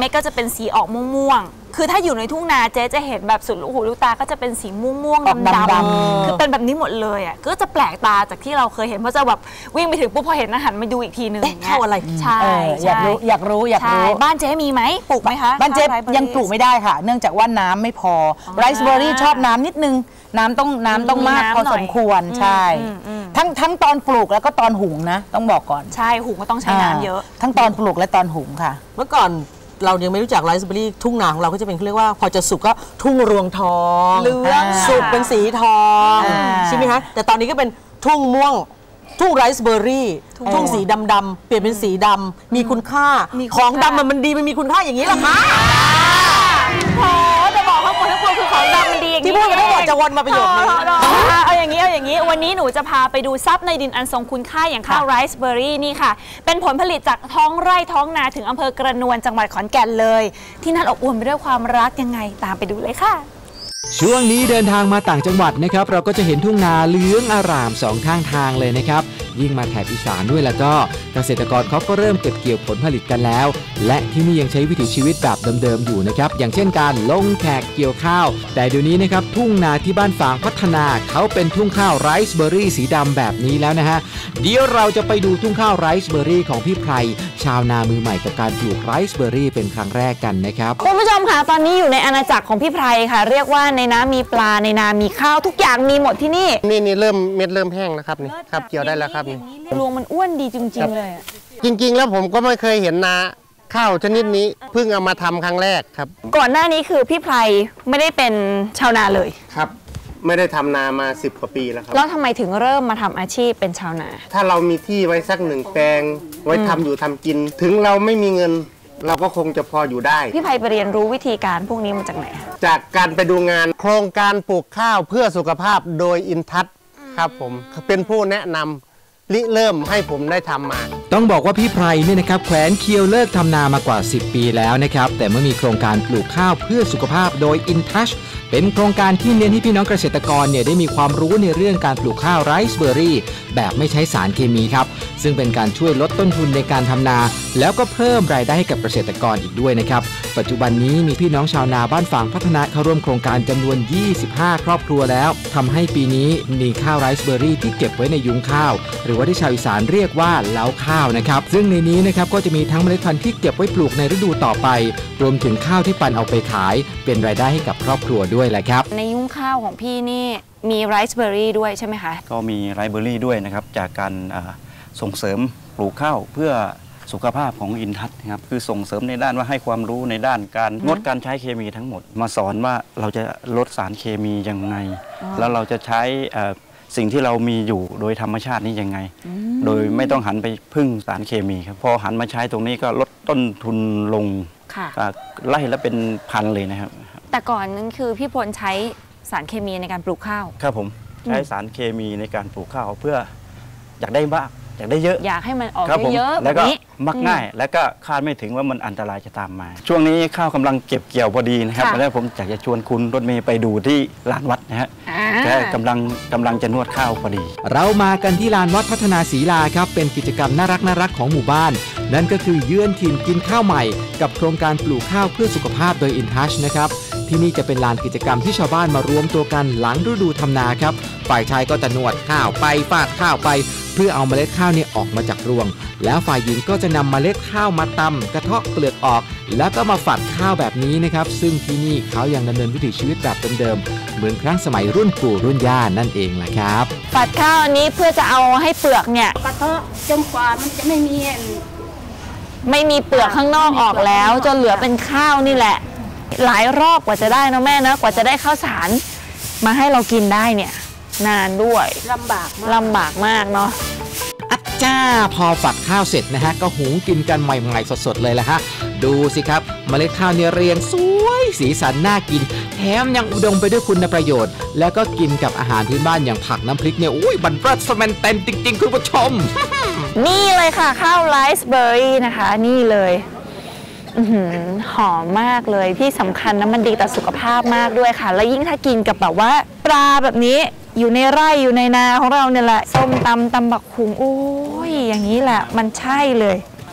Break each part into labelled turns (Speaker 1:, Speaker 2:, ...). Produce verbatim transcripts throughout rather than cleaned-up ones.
Speaker 1: ม็ดก็จะเป็นสีออกม่วงๆคือถ้าอยู่ในทุ่งนาเจ๊จะเห็นแบบสุดลูกหูลูกตาก็จะเป็นสีม่วงๆดำๆคือเป็นแบบนี้หมดเลยอ่ะก็จะแปลกตาจากที่เราเคยเห็นเพราะจะแบบวิ่งไปถึงปุ๊บพอเห็นอาหารมาดูอีกทีนึง
Speaker 2: เข้าอะไร
Speaker 1: ใช่
Speaker 2: อยากรู้อยากรู้อยากรู้
Speaker 1: บ้านเจ๊มีไหมปลูกไหมคะ
Speaker 2: บ้านเจ๊ยังปลูกไม่ได้ค่ะเนื่องจากว่าน้ำไม่พอไรซ์เบอร์รี่ชอบน้ำนิดนึงน้ำต้องน้ำต้องมากพอสมควรใช่ทั้งทั้งตอนปลูกแล้วก็ตอนหุงนะต้องบอกก่อน
Speaker 1: ใช่หุงก็ต้องใช้น้ำเยอะ
Speaker 2: ทั้งตอนปลูกและตอนหุงค่ะ
Speaker 3: เมื่อก่อนเรายังไม่รู้จักไรซ์เบอร์รี่ทุ่งนาของเราก็จะเป็นเรียกว่าพอจะสุกก็ทุ่งรวงทอง
Speaker 1: เหลือง
Speaker 3: สุกเป็นสีทองใช่ไหมคะแต่ตอนนี้ก็เป็นทุ่งม่วงทุ่งไรซ์เบอร์รี่ทุ่งสีดำๆเปลี่ยนเป็นสีดำมีคุณค่าของดำมันดีมันมีคุณค่าอย่างนี้หรอคะ
Speaker 1: โอ้จะบอกทั้งหมดทั้งปวงคือของดำมันดีอย่างนี้
Speaker 3: ที่พูดกันทั้งหมดจะวนมาประโยคนี้
Speaker 1: เอาอย่างนี้เอาอย่างนี้วันนี้หนูจะพาไปดูทรัพย์ในดินอันทรงคุณค่าอย่างข้าวไรซ์เบอร์รี่นี่ค่ะเป็นผลผลิตจากท้องไร่ท้องนาถึงอำเภอกระนวนจังหวัดขอนแก่นเลยที่นั่นอบอวลไปด้วยความรักยังไงตามไปดูเลยค่ะ
Speaker 4: ช่วงนี้เดินทางมาต่างจังหวัดนะครับเราก็จะเห็นทุ่งนาเหลืองอร่ามสองข้างทางเลยนะครับยิ่งมาแถบอีสานด้วยแล้วก็เกษตรกรเขาก็เริ่มเก็บเกี่ยวผลผลิตกันแล้วและที่นี่ยังใช้วิถีชีวิตแบบเดิมๆอยู่นะครับอย่างเช่นการลงแขกเกี่ยวข้าวแต่เดี๋ยวนี้นะครับทุ่งนาที่บ้านฝางพัฒนาเขาเป็นทุ่งข้าวไรซ์เบอร์รี่สีดำแบบนี้แล้วนะฮะเดี๋ยวเราจะไปดูทุ่งข้าวไรซ์เบอร์รี่ของพี่ไพรชาวนามือใหม่กับการปลูกไรซ์เบอร์รี่เป็นครั้งแรกกันนะครับ
Speaker 1: คุณผู้ชมค่ะตอนนี้อยู่ในอาณาจักรของพี่ไพรค่ะเรียกว่าในน้ำมีปลาในนามีข้าวทุกอย่างมีหมดที่นี่
Speaker 5: นี่นี่เริ่มเม็ดเริ่มแห้งแล้วครับนี่ครับเกี่ยวได้แล้วครับนี่
Speaker 1: รวงมันอ้วนดีจริงๆเลย
Speaker 5: จริงๆแล้วผมก็ไม่เคยเห็นนาข้าวชนิดนี้เพิ่งเอามาทำครั้งแรกครับ
Speaker 1: ก่อนหน้านี้คือพี่ไพรไม่ได้เป็นชาวนาเลย
Speaker 5: ครับไม่ได้ทำนามาสิบกว่าปีแล้วครับ
Speaker 1: แล้วทำไมถึงเริ่มมาทำอาชีพเป็นชาวนา
Speaker 5: ถ้าเรามีที่ไว้สักหนึ่งแปลงไว้ทำอยู่ทำกินถึงเราไม่มีเงินเราก็คงจะพออยู่ได้
Speaker 1: พี่ไพไปเรียนรู้วิธีการพวกนี้มาจากไหน
Speaker 5: จากการไปดูงานโครงการปลูกข้าวเพื่อสุขภาพโดยอินทัศน์ครับผมเป็นผู้แนะนำริเริ่มให้ผมได้ทำมา
Speaker 4: ต้องบอกว่าพี่ไพรเนี่ยนะครับแขวนเคียวเลิกทำนามากว่าสิบปีแล้วนะครับแต่เมื่อมีโครงการปลูกข้าวเพื่อสุขภาพโดย InTouch เป็นโครงการที่เน้นให้พี่น้องเกษตรกรเนี่ยได้มีความรู้ในเรื่องการปลูกข้าวไรซ์เบอร์รี่แบบไม่ใช้สารเคมีครับซึ่งเป็นการช่วยลดต้นทุนในการทำนาแล้วก็เพิ่มรายได้ให้กับเกษตรกรอีกด้วยนะครับปัจจุบันนี้มีพี่น้องชาวนาบ้านฝางพัฒนาเข้าร่วมโครงการจำนวนยี่สิบห้าครอบครัวแล้วทำให้ปีนี้มีข้าวไรซ์เบอร์รี่ที่เก็บไว้ในยุ้งข้าวหรือว่าที่ชาวอีสานเรียกว่าเล้าข้าวนะครับซึ่งในนี้นะครับก็จะมีทั้งเมล็ดพันธุ์ที่เก็บไว้ปลูกในฤดูต่อไปรวมถึงข้าวที่ปั่นเอาไปขายเป็นรายได้ให้กับครอบครัวด้วยแหละครับ
Speaker 1: ในยุ้งข้าวของพี่นี่มีไรซ์เบอร์รี่ด้วยใช่ไหมคะ
Speaker 6: ก็มีไรซ์เบอร์รี่ด้วยนะครับจากการส่งเสริมปลูกข้าวเพื่อสุขภาพของอินทัศน์นะครับคือส่งเสริมในด้านว่าให้ความรู้ในด้านการงดการใช้เคมีทั้งหมดมาสอนว่าเราจะลดสารเคมียังไงแล้วเราจะใช้สิ่งที่เรามีอยู่โดยธรรมชาตินี้ยังไงโดยไม่ต้องหันไปพึ่งสารเคมีครับพอหันมาใช้ตรงนี้ก็ลดต้นทุนลงไล่แล้วเป็นพันเลยนะครับ
Speaker 1: แต่ก่อนนั้นคือพี่พลใช้สารเคมีในการปลูกข้าว
Speaker 6: ครับผมใช้สารเคมีในการปลูกข้าวเพื่ออยากได้บ้างอยากได้เยอะ
Speaker 1: อยากให้มันออกเยอะ
Speaker 6: แล้วก็มักง่ายแล้วก็คาดไม่ถึงว่ามันอันตรายจะตามมาช่วงนี้ข้าวกำลังเก็บเกี่ยวพอดีนะครับแล้วผมอยากจะชวนคุณรถเมย์ไปดูที่ลานวัดนะฮะแกกำลังกำลังจะนวดข้าวพอดี
Speaker 4: เรามากันที่ลานวัดพัฒนาศรีลาครับเป็นกิจกรรมน่ารักน่ารักของหมู่บ้านนั่นก็คือเยือนถิ่นกินข้าวใหม่กับโครงการปลูกข้าวเพื่อสุขภาพโดย InTouch นะครับที่นี่จะเป็นลานกิจกรรมที่ชาวบ้านมารวมตัวกันหลังฤดูทำนาครับฝ่ายชายก็จะนวดข้าวไปฟาดข้าวไปเพื่อเอาเมล็ดข้าวเนี่ยออกมาจากรวงแล้วฝ่ายหญิงก็จะนำเมล็ดข้าวมาตำกระเทาะเปลือกออกแล้วก็มาฝัดข้าวแบบนี้นะครับซึ่งที่นี่เขายังดำเนินวิถีชีวิตแบบเดิมๆเหมือนครั้งสมัยรุ่นปู่รุ่นย่านั่นเองแหละครับ
Speaker 1: ฝัดข้าวอันนี้เพื่อจะเอาให้เปลือกเนี่ย
Speaker 7: กระเทาะจนกว่ามันจะไม่มี
Speaker 1: ไม่มีเปลือกข้างนอกออกแล้วจนเหลือเป็นข้าวนี่แหละหลายรอบกว่าจะได้นะแม่นะกว่าจะได้ข้าวสารมาให้เรากินได้เนี่ยนานด้วย
Speaker 7: ลำบาก
Speaker 1: ลำบากมากเนาะ
Speaker 4: อัจจ้าพอฝัดข้าวเสร็จนะฮะก็หุงกินกันใหม่ๆสดๆเลยแหละฮะดูสิครับเมล็ดข้าวเนี่ยเรียงสวยสีสันน่ากินแถมยังอุดมไปด้วยคุณประโยชน์แล้วก็กินกับอาหารพื้นบ้านอย่างผักน้ำพริกเนี่ยอุ้ยบันเทิงสแมนเต็มจริงๆคุณผู้ชม
Speaker 1: นี่เลยค่ะข้าวไรซ์เบอร์รี่นะคะนี่เลยหอมมากเลยที่สำคัญนะมันดีต่อสุขภาพมากด้วยค่ะแล้วยิ่งถ้ากินกับแบบว่าปลาแบบนี้อยู่ในไร่อยู่ในนาของเราเนี่ยแหละส้มตำตำบักหุงโอ้ยอย่างนี้แหละมันใช่เลย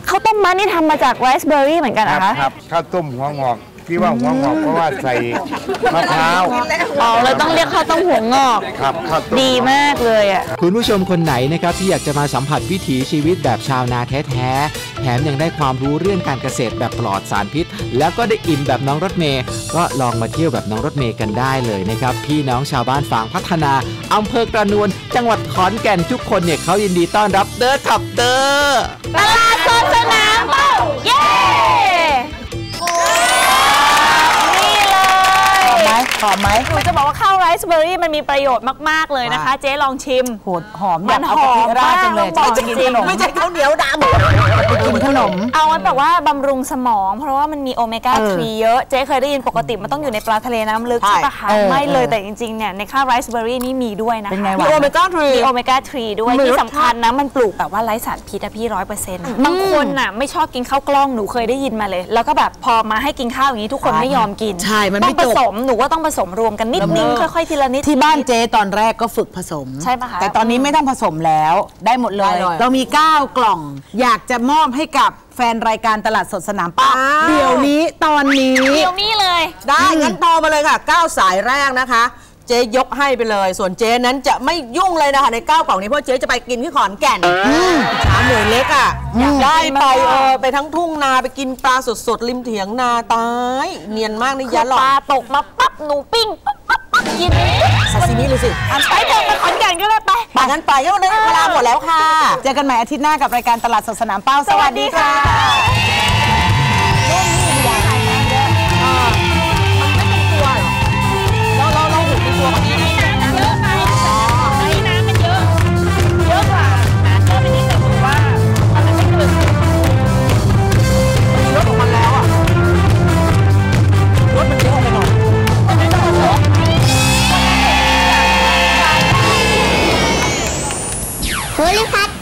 Speaker 1: ข้าวต้มมัดนี่ทำมาจากไรซ์เบอร์รี่เหมือนกัน
Speaker 8: ค
Speaker 1: นะ
Speaker 8: รับ
Speaker 1: คะ
Speaker 8: ครับข้าวต้มหัวงอกที่ว่าหัวงอกเพราะว่าใส่มะพร้าว
Speaker 1: อ๋อเราต้องเรียกข้าวต้มหัวงอก
Speaker 8: ครับข้าวต้ม
Speaker 1: ดีมากเลยอ่ะ
Speaker 4: คุณผู้ชมคนไหนนะครับที่อยากจะมาสัมผัสวิถีชีวิตแบบชาวนาแท้ๆแถมยังได้ความรู้เรื่องการเกษตรแบบปลอดสารพิษ แล้วก็ได้อิ่มแบบน้องรถเมย์ก็ลองมาเที่ยวแบบน้องรถเมย์กันได้เลยนะครับพี่น้องชาวบ้านฝางพัฒนาอำเภอกระนวนจังหวัดขอนแก่นทุกคนเนี่ยเขายินดีต้อนรับเด้อขับเด้อ
Speaker 1: ตลาดสดสนามเป้าเย้นี่เลย
Speaker 2: ไหมหอมไหม
Speaker 1: หนูจะบอกว่าข้าวไรซ์เบอร์รี่มันมีประโยชน์มาก ๆ เลยนะคะ เจ๊ลองชิม
Speaker 2: โหดหอมอยากเอากะทิราดจังเลย
Speaker 1: มันหอมมาก
Speaker 2: จะกินขนม
Speaker 3: ไม่ใช่ข้าวเหนียวดำ
Speaker 2: ไปกินขนม
Speaker 1: เอามันแบบว่าบำรุงสมอง เพราะว่ามันมีโอเมก้า
Speaker 2: เออ
Speaker 1: ทรีเยอะ เจ๊เคยได้ยินปกติมันต้องอยู่ในปลาทะเลน้ำลึก
Speaker 3: ใช่
Speaker 1: ใช่ปะคะ
Speaker 2: เออ
Speaker 1: ไม่เลย
Speaker 2: เออ
Speaker 1: แต่จริง ๆ เนี่ย ในข้าวไรซ์เบอร์รี่นี่มีด้วยนะคะ
Speaker 2: เป็นไง
Speaker 3: มี
Speaker 2: วะ
Speaker 3: โอเมก้าทรี
Speaker 1: มีโอเมก้าทรีด้วย
Speaker 3: มี
Speaker 1: ที่
Speaker 3: รสชาติ
Speaker 1: สำคัญนะ มันปลูกแบบว่าไร้สารพิษอะพี่ร้อยเปอร์เซ็นต์บางคนน่ะไม่ชอบกินข้าวกล้องหนูเคยได้ยินมาเลย แล้วก็แบบพอมาให้กินข้าวอย่างนี้ทุกคนไม่ยอมกิน
Speaker 3: ใช่มันไม่
Speaker 1: ต้องผ
Speaker 3: จบ
Speaker 1: สมหนูว่าต้องผสมรวมกันนิดนึงค่อยๆทีละนิด
Speaker 2: ที่บ้านเจ๊ตอนแรกก็ฝึกผสม
Speaker 1: ใช่ปะคะ
Speaker 2: แต่ตอนนี้ไม่ต้องผสมแล้วได้หมดเลย
Speaker 3: ได้เลย
Speaker 2: เรามี เก้ากล่อง อยากจะมอบให้กับแฟนรายการตลาดสดสนามเป้า
Speaker 3: อ้าว
Speaker 2: เดี๋ยวนี้ตอนนี้
Speaker 1: เดี๋ยวนี้เลย
Speaker 3: ได้ งั้นโทรมาเลยค่ะเก้าสายแรกนะคะ เจ๊ยกให้ไปเลย ส่วนเจ๊นั้นจะไม่ยุ่งเลยนะคะในเก้ากล่องนี้เพราะเจ๊จะไปกินที่ขอนแก่นสามหน่วยเล็กอ่ะอยากได้ไปเออไปทั้งทุ่งนาไปกินปลาสดๆริมเถียงนาตาย เนียนมากนี่
Speaker 1: คื
Speaker 3: ยั
Speaker 1: อน
Speaker 3: หรอ
Speaker 1: ปลาตกมาปั๊บหนูปิ้งปั๊บปั๊บปั๊บกิน
Speaker 3: ซาซิมิเลยสิ
Speaker 1: อ่ะไปเถอะไปขอนแก่นก็ได้ไป
Speaker 3: ไปงั้นไปงั้นวันนี้เวลาหมดแล้วค่ะ
Speaker 2: เจอกันใหม่อาทิตย์หน้ากับรายการตลาดสดสนามเป้า สวัสดีค่ะ
Speaker 1: เราเราเราหูเป็นตัวคนนี้น้ำมันเยอะไปนี่น้ำมันเยอะ เยอะกว่าน้ำเยอะไปนิดแต่ถือว่ามันไม่เกิน
Speaker 3: มีรถของมันแล้วอ่ะ รถมันเยอะไปหน่อย
Speaker 1: มันไม่ต้องผสม
Speaker 9: โพลิพัท